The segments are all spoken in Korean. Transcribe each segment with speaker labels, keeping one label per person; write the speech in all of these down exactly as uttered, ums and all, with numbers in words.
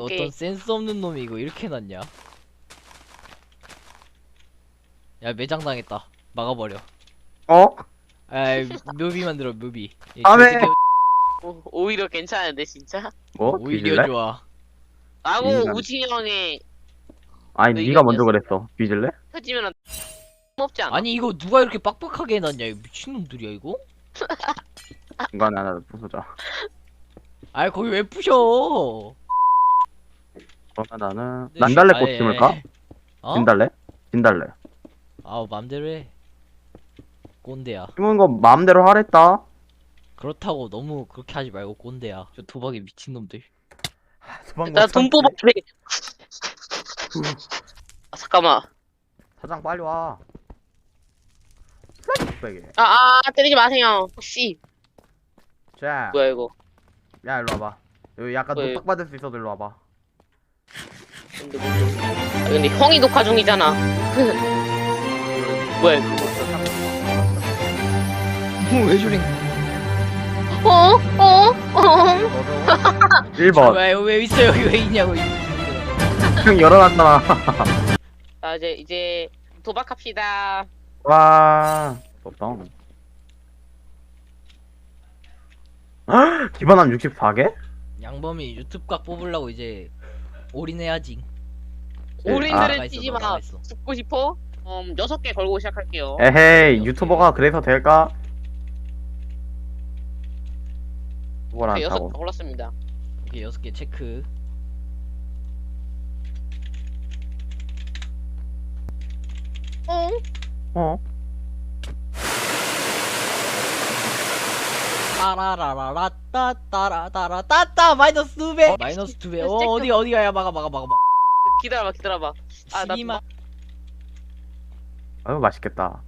Speaker 1: 오케이.
Speaker 2: 어떤 센스 없는 놈이 이거 이렇게 놨냐? 야 매장 당했다. 막아버려.
Speaker 3: 어?
Speaker 2: 아이 뮤비 만들어 뮤비. 얘
Speaker 3: 안 해.
Speaker 2: 저새끼
Speaker 1: 오, 오히려 괜찮은데 진짜.
Speaker 3: 뭐?
Speaker 2: 오히려
Speaker 3: 뒤질래?
Speaker 2: 좋아.
Speaker 1: 라고
Speaker 3: 인간.
Speaker 1: 우진이 형이
Speaker 3: 아니
Speaker 1: 너
Speaker 3: 네가
Speaker 1: 이거
Speaker 3: 먼저
Speaker 1: 아니었어?
Speaker 3: 그랬어. 뒤질래?
Speaker 1: 터지면 없지 않아?
Speaker 2: 아니 이거 누가 이렇게 빡빡하게 해놨냐? 이거 미친놈들이야 이거?
Speaker 3: 중간에 하나 부수자.
Speaker 2: 아이 거기 왜 부셔?
Speaker 3: 그러면 나는
Speaker 2: 네,
Speaker 3: 난달래
Speaker 2: 아,
Speaker 3: 꽃
Speaker 2: 예,
Speaker 3: 심을까?
Speaker 2: 예. 어?
Speaker 3: 진달래? 진달래.
Speaker 2: 아우 맘대로 해. 꼰대야.
Speaker 3: 심은 거 마음대로 하랬다.
Speaker 2: 그렇다고 너무 그렇게 하지 말고 꼰대야. 저 도박이 미친놈들.
Speaker 1: 나 돈 뽑아. 아, 잠깐만.
Speaker 3: 사장 빨리 와. 빼게.
Speaker 1: 아, 아, 때리지 마세요. 씨.
Speaker 3: 자,
Speaker 1: 뭐야 이거?
Speaker 3: 야 일로 와봐. 여기 약간
Speaker 1: 왜?
Speaker 3: 노딱 받을 수 있어도 일로 와봐.
Speaker 1: 근데, 뭐- 아, 근데 형이 녹화 중이잖아. 뭐야 이거?
Speaker 2: 왜 저래?
Speaker 1: 어? 어? 어?
Speaker 3: 일 번.
Speaker 2: 왜, 왜 있어 여기 왜 있냐고.
Speaker 3: 형 열어놨잖아.
Speaker 1: 자 이제 이제 도박합시다.
Speaker 3: 와. 없다. 기반함 육십사 개?
Speaker 2: 양범이 유튜브 각 뽑으려고 이제 올인해야지.
Speaker 1: 올인들을
Speaker 2: 나가 있어,
Speaker 1: 뛰지
Speaker 2: 너
Speaker 1: 마.
Speaker 2: 나가 있어.
Speaker 1: 죽고 싶어? 음 여섯 개 걸고 시작할게요.
Speaker 3: 에헤이 유튜버가 그래서 될까? 그걸 안
Speaker 1: 오케이, 여섯
Speaker 3: 타고.
Speaker 1: 개 골랐습니다.
Speaker 2: 오케이 여섯 개 체크.
Speaker 1: 어?
Speaker 3: 어?
Speaker 2: 따라라라라 따따라 따따 마이너스 두 배.
Speaker 1: 어,
Speaker 2: 마이너스 두 배.
Speaker 1: 체크.
Speaker 2: 어 어디 어디가 야 막아 막아 막아 막아.
Speaker 1: 기다려봐 기다려봐. 아, 나
Speaker 2: 십이만.
Speaker 3: 아유 맛있겠다.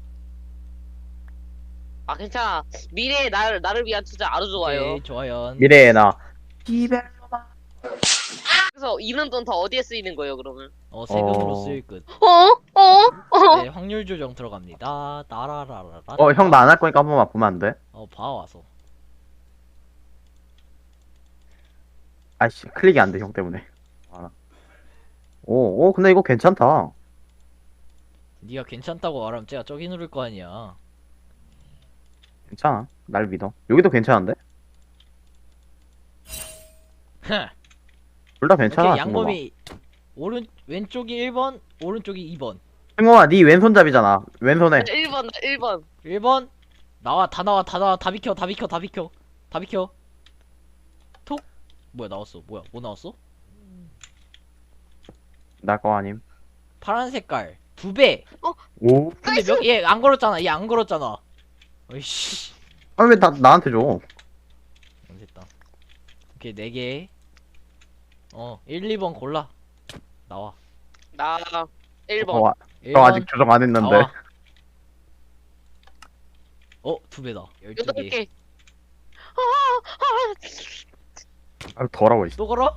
Speaker 1: 아 괜찮아. 미래의 나를 나를 위한 투자 아주 좋아요.
Speaker 2: 오케이 좋아요.
Speaker 3: 미래의 나. 기별로만.
Speaker 1: 그래서 이런 돈 다 어디에 쓰이는 거예요 그러면?
Speaker 2: 어 세금으로
Speaker 3: 어.
Speaker 2: 쓰일 듯.
Speaker 1: 어? 어? 어?
Speaker 2: 네 확률 조정 들어갑니다. 따라라라라.
Speaker 3: 어 형 나 안 할 거니까 한 번만 보면 안 돼?
Speaker 2: 어 봐와서.
Speaker 3: 아이씨 클릭이 안 돼 형 때문에. 알아. 오, 오 근데 이거 괜찮다.
Speaker 2: 네가 괜찮다고 말하면 제가 저기 누를 거 아니야.
Speaker 3: 괜찮아. 날 믿어. 여기도 괜찮은데? 둘 다 괜찮아.
Speaker 2: 오케이 양범이 오른 왼쪽이 일 번, 오른쪽이 이 번.
Speaker 3: 승범아, 네 왼손잡이잖아. 왼손에.
Speaker 1: 일 번 일 번.
Speaker 2: 일 번 나와 다 나와 다 나와 다 비켜 다 비켜 다 비켜 다 비켜. 톡 뭐야 나왔어 뭐야 뭐 나왔어?
Speaker 3: 날 거 아님.
Speaker 2: 파란 색깔 두 배.
Speaker 3: 오.
Speaker 2: 근데 몇 얘 안 걸었잖아 얘 안 걸었잖아. 어이씨.
Speaker 3: 아 왜 나 나한테 줘?
Speaker 2: 됐다. 오케이 네 개. 어 일, 이 번 골라. 나와.
Speaker 1: 나 일 번.
Speaker 3: 어,
Speaker 2: 일
Speaker 3: 저
Speaker 2: 번
Speaker 3: 아직 조정 안 했는데.
Speaker 2: 나와. 어 두 배다. 열두
Speaker 1: 여덟
Speaker 2: 개.
Speaker 1: 개.
Speaker 3: 아 더러워. 이
Speaker 2: 또 걸어?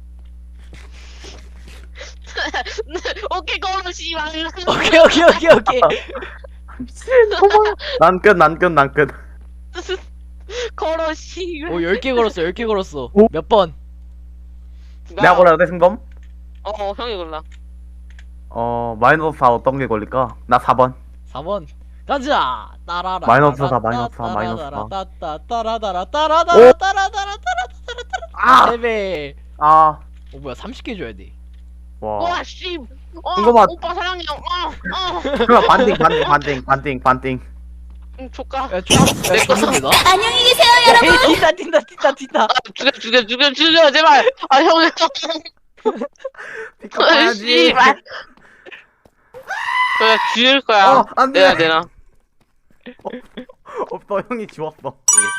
Speaker 1: 오케이 걸어 씨발.
Speaker 2: 오케이 오케이 오케이 오케이.
Speaker 3: 미친. 난 끝, 난 끝, 난 끝.
Speaker 1: 걸어 씨발.
Speaker 2: 오 열 개 걸었어 열 개 걸었어.
Speaker 3: 오?
Speaker 2: 몇 번?
Speaker 3: 내가 골라야 돼 승범?
Speaker 1: 어, 어 형이 골라.
Speaker 3: 어 마이너스 사 어떤 게 걸릴까? 나 사 번.
Speaker 2: 사 번 가자. 따라라.
Speaker 3: 마이너스 사, 마이너스 사, 마이너스 사.
Speaker 2: 따따 따라다라 따라다라 따라다라
Speaker 3: 아!
Speaker 2: 세 배.
Speaker 3: 아.
Speaker 2: 어 뭐야 삼십 개 줘야 돼.
Speaker 3: 와.
Speaker 1: 와 씨. 어,
Speaker 3: 이거 봐.
Speaker 1: 오빠 사랑해. 어, 어.
Speaker 3: 그럼 반띵, 반띵, 반띵, 반띵, 반띵.
Speaker 1: 응, 조카.
Speaker 2: 야 줘. 야 줬는데 나?
Speaker 4: 안녕히 계세요.
Speaker 2: 야 튄다 튄다 튄다 튄다.
Speaker 1: 아, 죽여 죽여 죽여 죽여 제발. 아 형이.
Speaker 3: 피카 봐야지.
Speaker 1: 씨발. 그래 죽일 거야.
Speaker 3: 어, 안 돼.
Speaker 1: 내야 되나?
Speaker 3: 없어, 형이 지웠어.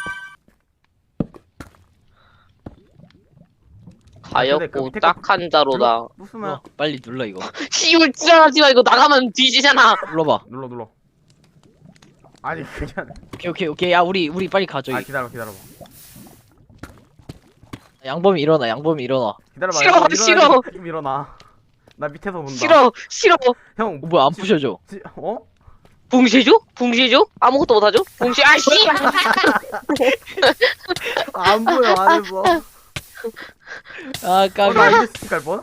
Speaker 3: 근데 그
Speaker 1: 가엾고
Speaker 3: 밑에 거
Speaker 1: 딱한 자로다.
Speaker 3: 부수면
Speaker 2: 어, 빨리 눌러 이거.
Speaker 1: 씨발 지랄하지 마. 이거 나가면 뒤지잖아.
Speaker 2: 눌러봐.
Speaker 3: 눌러, 눌러. 아니 그게 아니라.
Speaker 2: 오케이 오케이 오케이. 야 우리 우리 빨리 가
Speaker 3: 아
Speaker 2: 저기.
Speaker 3: 기다려, 기다려봐.
Speaker 2: 양범이 일어나 양범이 일어나.
Speaker 3: 기다려봐.
Speaker 1: 싫어,
Speaker 3: 형, 일어나야지.
Speaker 1: 싫어.
Speaker 3: 지금 일어나. 나 밑에서 본다.
Speaker 1: 싫어 싫어.
Speaker 3: 형,
Speaker 2: 어, 뭐야 안 부셔줘.
Speaker 3: 지, 어?
Speaker 1: 봉쇄죠? 봉쇄죠? 아무것도 못하죠? 봉쇄. 아 씨발.
Speaker 3: 안 보여, 안에서.
Speaker 2: 아
Speaker 3: 어,
Speaker 2: 까비.
Speaker 3: 나 이제 색깔 뭐?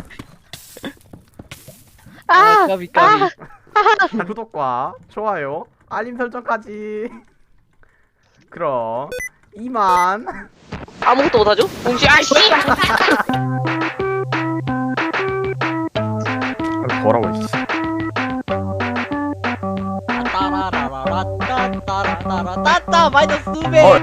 Speaker 2: 아 까비 까비.
Speaker 3: 자, 구독과 좋아요, 알림 설정까지. 그럼 이만.
Speaker 1: 아무것도 못하죠? 공시 아씨!
Speaker 3: 뭐라고 씨.
Speaker 2: 따라라라라 따따라따라 따따 마이너스 두 배.
Speaker 3: 어.